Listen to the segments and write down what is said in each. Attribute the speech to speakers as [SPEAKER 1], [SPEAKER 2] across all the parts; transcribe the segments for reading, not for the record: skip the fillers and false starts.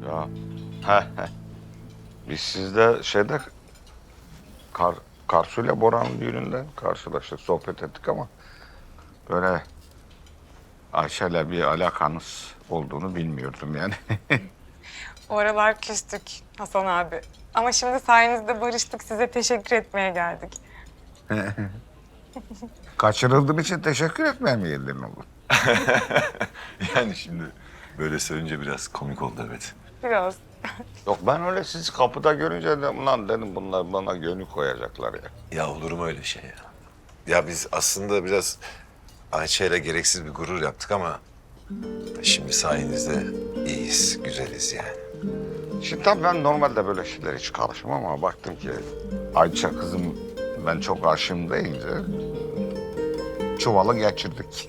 [SPEAKER 1] Ya. He. Biz sizde Karsu'yla Boran'ın düğününde karşılaştık, sohbet ettik ama böyle Ayşe'yle bir alakanız olduğunu bilmiyordum yani.
[SPEAKER 2] O aralar küstük Hasan abi. Ama şimdi sayenizde barıştık. Size teşekkür etmeye geldik.
[SPEAKER 1] Kaçırıldığın için teşekkür etmeye mi geldin oğlum?
[SPEAKER 3] Yani şimdi böyle söyleyince biraz komik oldu evet.
[SPEAKER 2] Biraz.
[SPEAKER 1] Yok ben öyle sizi kapıda görünce de ulan dedim bunlar bana gönül koyacaklar ya.
[SPEAKER 3] Ya olur mu öyle şey ya? Ya biz aslında biraz Ayça'yla gereksiz bir gurur yaptık ama şimdi sayenizde iyiyiz, güzeliz yani.
[SPEAKER 1] Şimdi tabii ben normalde böyle şeyler hiç karışmam ama baktım ki Ayça kızım ben çok aşığım deyince çuvalı geçirdik.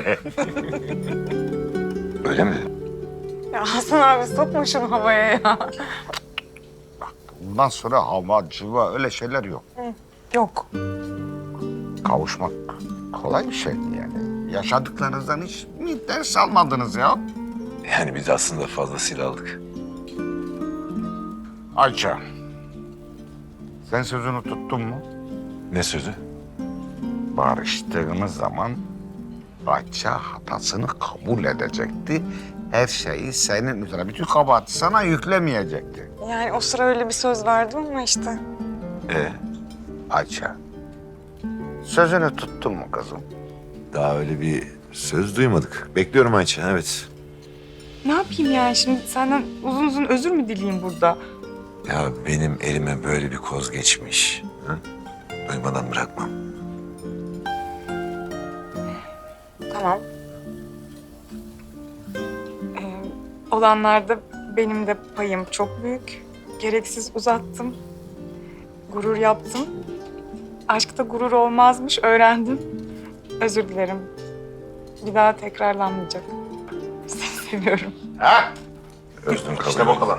[SPEAKER 3] Öyle mi?
[SPEAKER 2] Ya Hasan abi sokma şunu havaya ya.
[SPEAKER 1] Bundan sonra hava, civa öyle şeyler yok.
[SPEAKER 2] Yok.
[SPEAKER 1] Kavuşmak kolay bir şey yani. Yaşadıklarınızdan hiç mi ders almadınız ya?
[SPEAKER 3] Yani biz aslında fazlasıyla aldık.
[SPEAKER 1] Ayça, sen sözünü tuttun mu?
[SPEAKER 3] Ne sözü?
[SPEAKER 1] Barıştığımız zaman Ayça hatasını kabul edecekti. Her şeyi senin üzerine, bütün kabahati sana yüklemeyecekti.
[SPEAKER 2] Yani o sıra öyle bir söz verdim ama işte.
[SPEAKER 1] Ayça, sözünü tuttun mu kızım?
[SPEAKER 3] Daha öyle bir söz duymadık. Bekliyorum Ayça, evet.
[SPEAKER 2] Ne yapayım yani şimdi senden uzun uzun özür mü dileyeyim burada?
[SPEAKER 3] Ya benim elime böyle bir koz geçmiş. Hı? Duymadan bırakmam.
[SPEAKER 2] Tamam. Olanlarda benim de payım çok büyük. Gereksiz uzattım. Gurur yaptım. Aşkta gurur olmazmış öğrendim. Özür dilerim. Bir daha tekrarlanmayacak. Seni seviyorum.
[SPEAKER 1] Ha?
[SPEAKER 3] Özlem kabul.
[SPEAKER 1] İşte bakalım.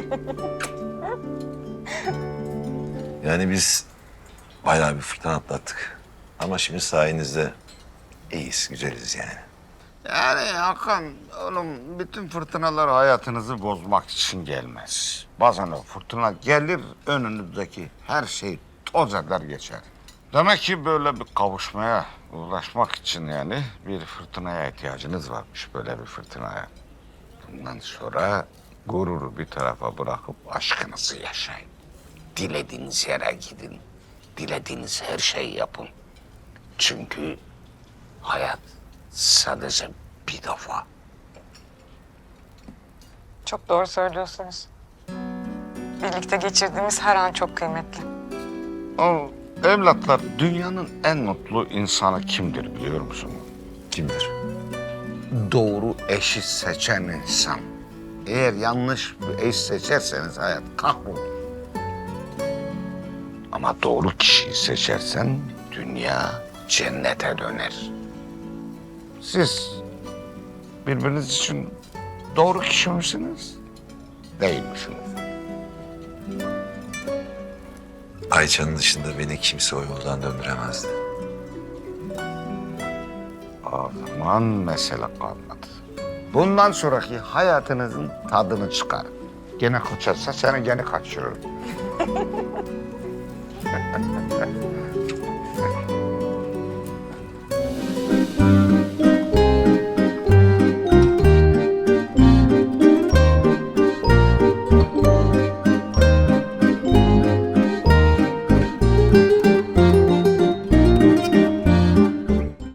[SPEAKER 3] Yani biz bayağı bir fırtına atlattık. Ama şimdi sayenizde iyiyiz, güzeliz yani.
[SPEAKER 1] Yani Hakan, oğlum bütün fırtınalar hayatınızı bozmak için gelmez. Bazen o fırtına gelir, önünüzdeki her şey toz eder geçer. Demek ki böyle bir kavuşmaya ulaşmak için yani bir fırtınaya ihtiyacınız varmış, böyle bir fırtınaya. Bundan sonra gururu bir tarafa bırakıp aşkınızı yaşayın. Dilediğiniz yere gidin, dilediğiniz her şeyi yapın. Çünkü hayat sadece bir defa.
[SPEAKER 2] Çok doğru söylüyorsunuz. Birlikte geçirdiğimiz her an çok kıymetli.
[SPEAKER 1] O evlatlar dünyanın en mutlu insanı kimdir biliyor musun?
[SPEAKER 3] Kimdir?
[SPEAKER 1] Doğru eşi seçen insan. Eğer yanlış bir eş seçerseniz hayat kahrolur. Ama doğru kişiyi seçersen dünya cennete döner. Siz birbiriniz için doğru kişi misiniz? Değil misiniz?
[SPEAKER 3] Ayça'nın dışında beni kimse o yoldan döndüremezdi.
[SPEAKER 1] O zaman mesele kalmadı. Bundan sonraki hayatınızın tadını çıkarın. Gene kaçarsa seni gene kaçırırım.